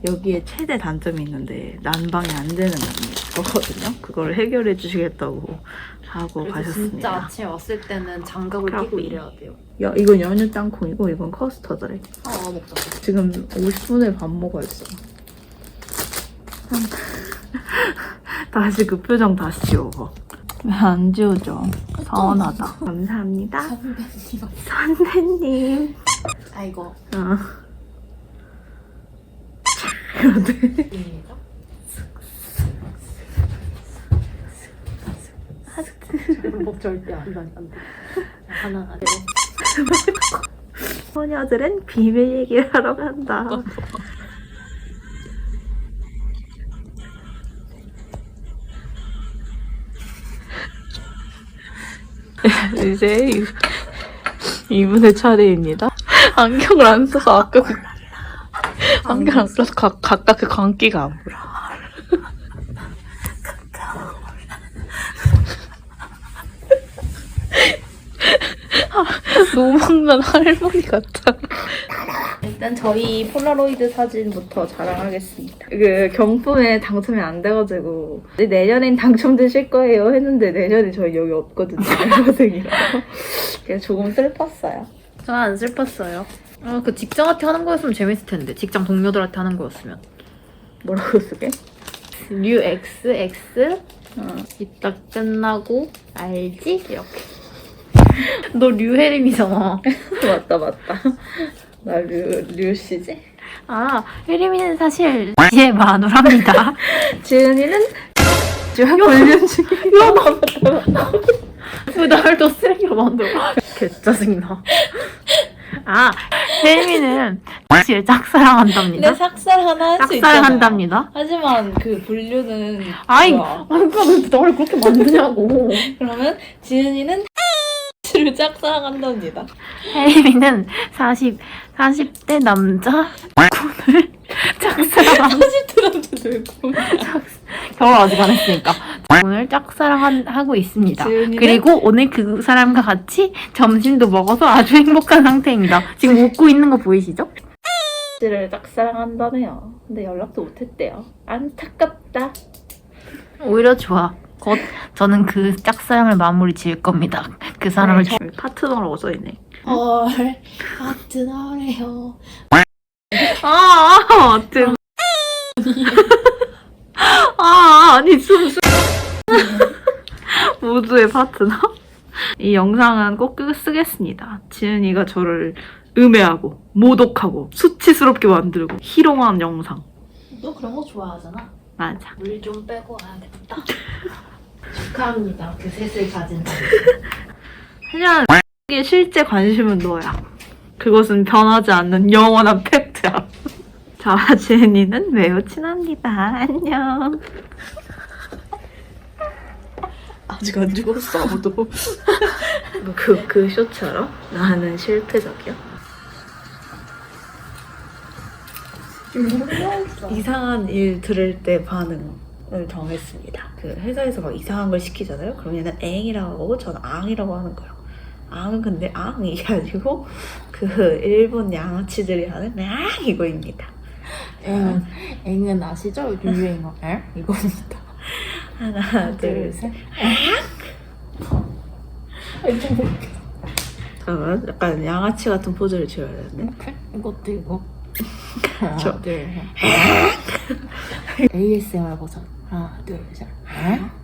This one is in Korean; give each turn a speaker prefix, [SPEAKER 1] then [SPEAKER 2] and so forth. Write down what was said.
[SPEAKER 1] 여기에 최대 단점이 있는데 난방이 안 되는 거거든요. 그걸 해결해 주시겠다고 하고 가셨습니다.
[SPEAKER 2] 진짜 아침에 왔을 때는 장갑을 끼고 이래야 돼요.
[SPEAKER 1] 야, 이건 연유 땅콩이고 이건 커스터드래.
[SPEAKER 2] 먹자.
[SPEAKER 1] 지금 50분에 밥 먹어야겠어. 다시 그 표정 다시 지워봐. 왜 안 지워져? 서운하다. 감사합니다. 선배님.
[SPEAKER 2] 아이고. 목 절대 안 돼. 하나, 둘.
[SPEAKER 1] 소녀들은 비밀 얘기를 하러 간다. 이제 이분의 차례입니다. 안경을 안 써서 아까 안경 안 써서 각각 그 광기가 안 보여. 노망난 할머니 같아. 일단 저희 폴라로이드 사진부터 자랑하겠습니다. 그 경품에 당첨이 안 돼가지고 내년엔 당첨되실 거예요 했는데 내년에 저희 여기 없거든요. 알바생이라서 그래서 조금 슬펐어요.
[SPEAKER 2] 저는 안 슬펐어요. 그 직장한테 하는 거였으면 재밌을 텐데. 직장 동료들한테 하는 거였으면.
[SPEAKER 1] 뭐라고 쓰게?
[SPEAKER 2] 류 XX 이따 끝나고 알지? 이렇게. 너 류혜림이잖아.
[SPEAKER 1] 맞다. 나 류씨지?
[SPEAKER 2] 아, 혜림이는 사실 제 마누라입니다.
[SPEAKER 1] 지은이는 지금 훈련 중이야. 맞다.
[SPEAKER 2] 왜 날 더 쓰레기로 만들어? 개 짜증나. 아, 혜림이는 사실 짝사랑한답니다.
[SPEAKER 1] 근데 삭살 하나 할 수 있잖아.
[SPEAKER 2] 짝사랑한답니다.
[SPEAKER 1] 하지만 그 분류는
[SPEAKER 2] 아이,
[SPEAKER 1] 뭐야?
[SPEAKER 2] 그러니까 왜 나를 그렇게 만드냐고.
[SPEAKER 1] 그러면 지은이는 를 짝사랑한답니다.
[SPEAKER 2] 혜림이는 40대 남자 군을 짝사랑한
[SPEAKER 1] 40대 남자 누구?
[SPEAKER 2] 결혼 아직 안 했으니까 오늘 짝사랑하고 있습니다.
[SPEAKER 1] 지은이는?
[SPEAKER 2] 그리고 오늘 그 사람과 같이 점심도 먹어서 아주 행복한 상태입니다. 지금 웃고 있는 거 보이시죠?
[SPEAKER 1] 를 짝사랑한다네요. 근데 연락도 못했대요. 안타깝다.
[SPEAKER 2] 오히려 좋아. 곧 저는 그 짝사랑을 마무리 지을 겁니다. 그 사람을
[SPEAKER 1] 파트너라고 써있네.
[SPEAKER 2] 헐 파트너래요.
[SPEAKER 1] 아무튼 아니 모두의 파트너? 이 영상은 꼭 쓰겠습니다. 지은이가 저를 음해하고 모독하고 수치스럽게 만들고 희롱한 영상.
[SPEAKER 2] 너 그런 거 좋아하잖아.
[SPEAKER 1] 맞아.
[SPEAKER 2] 물 좀 빼고 와야겠다. 축하합니다. 그 셋을 가진 사람.
[SPEAKER 1] 하지만 의 실제 관심은 너야. 그것은 변하지 않는 영원한 팩트야. 저와 지은이는 매우 친합니다. 안녕. 아직 안 죽었어 아무도. 그 쇼츠 알아? 나는 실패작이야. 이상한 일 들을 때 반응을 정했습니다. 그 회사에서 막 이상한 걸 시키잖아요. 그럼 얘는 앵이라고 하고 저는 앙이라고 하는 거예요. 앙은 근데 앙 이게 아니고 그 일본 양아치들이 하는 앙 이거입니다.
[SPEAKER 2] 앵은 아시죠? 요즘 유행어 앵? 이겁니다.
[SPEAKER 1] 하나 둘 셋. 잠깐만 약간 양아치 같은 포즈를 지어야 되는데.
[SPEAKER 2] 이렇게? 이것도 이거.
[SPEAKER 1] 저.
[SPEAKER 2] 하나 둘 셋. ASMR 버전. 하나 둘 셋.